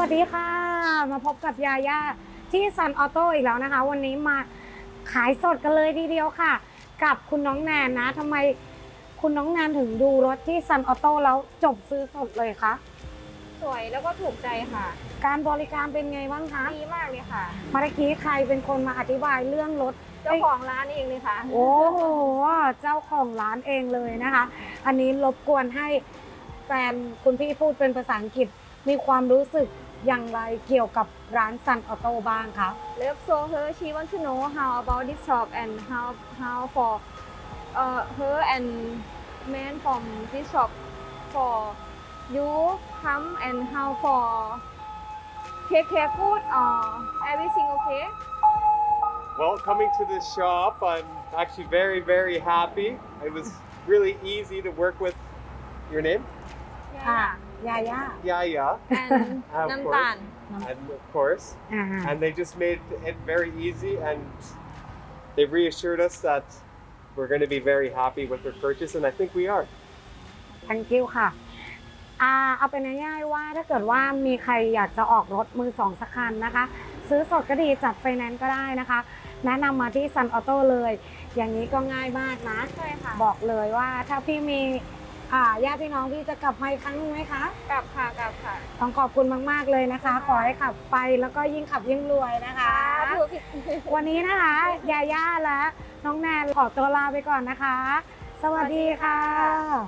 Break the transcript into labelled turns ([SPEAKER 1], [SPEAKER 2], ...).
[SPEAKER 1] วัสดีค่ะมาพบกับยาย่าที่ซันออโต้อีกแล้วนะคะ วันนี้มาขายสดกันเลยทีเดียวค่ะ กับคุณน้องแนนนะทำไมคุณน้องแนนถึงดูรถที่ซันออโต้แล้วจบซื้อสดเลยคะ
[SPEAKER 2] สวยแล้วก็ถูกใจค่ะ
[SPEAKER 1] การบริการเป็นไงบ้างคะ
[SPEAKER 2] ดีมากเลยค่ะ
[SPEAKER 1] เมื่อกี้ใครเป็นคนมาอธิบายเรื่องรถ
[SPEAKER 2] เจ้าของร้านเองเลยค่ะ
[SPEAKER 1] โอ้โหเจ้าของร้านเองเลยนะคะ อันนี้รบกวนให้แฟนคุณพี่พูดเป็นภาษาอังกฤษมีความรู้สึกอย่างไรเกี่ยวกับร้านซันออโต้บ้างคะ
[SPEAKER 2] Love so her she want to know how about this shop and how for her and man from this shop for you come and how for take care good or everything okay
[SPEAKER 3] Well, coming to this shop, I'm actually very, very happy. It was really easy to work with. Your name?
[SPEAKER 1] ค่ะยาย่า
[SPEAKER 3] Yaya.
[SPEAKER 2] and
[SPEAKER 3] Of
[SPEAKER 2] น้ำตาล
[SPEAKER 3] And of course.
[SPEAKER 1] อ่า
[SPEAKER 3] And they just made it very easy and they reassured us that we're going to be very happy with their purchase, and I think we are.
[SPEAKER 1] thank you ค่ะเอาเป็นง่ายๆว่าถ้าเกิดว่ามีใครอยากจะออกรถมือสองสักคันนะคะ ซื้อสดก็ดีจัดไฟแนนซ์ก็ได้นะคะ แนะนำมาที่ซันออโต้เลย อย่างนี้ก็ง่ายมากนะ
[SPEAKER 2] ใช่ค่ะ
[SPEAKER 1] บอกเลยว่าถ้าพี่มีญาติพี่น้องพี่จะกลับมาอีกครั้งหนึงไหมคะ
[SPEAKER 2] กลับค่ะกลับค่ะ
[SPEAKER 1] ต้องขอบคุณมากๆเลยนะคะ ขอให้ขับไปแล้วก็ยิ่งขับยิ่งรวยนะคะ
[SPEAKER 2] ถูกผิด
[SPEAKER 1] วันนี้นะคะยาย่าและน้องแนนขอตัวลาไปก่อนนะคะ สวัสดีค่ะ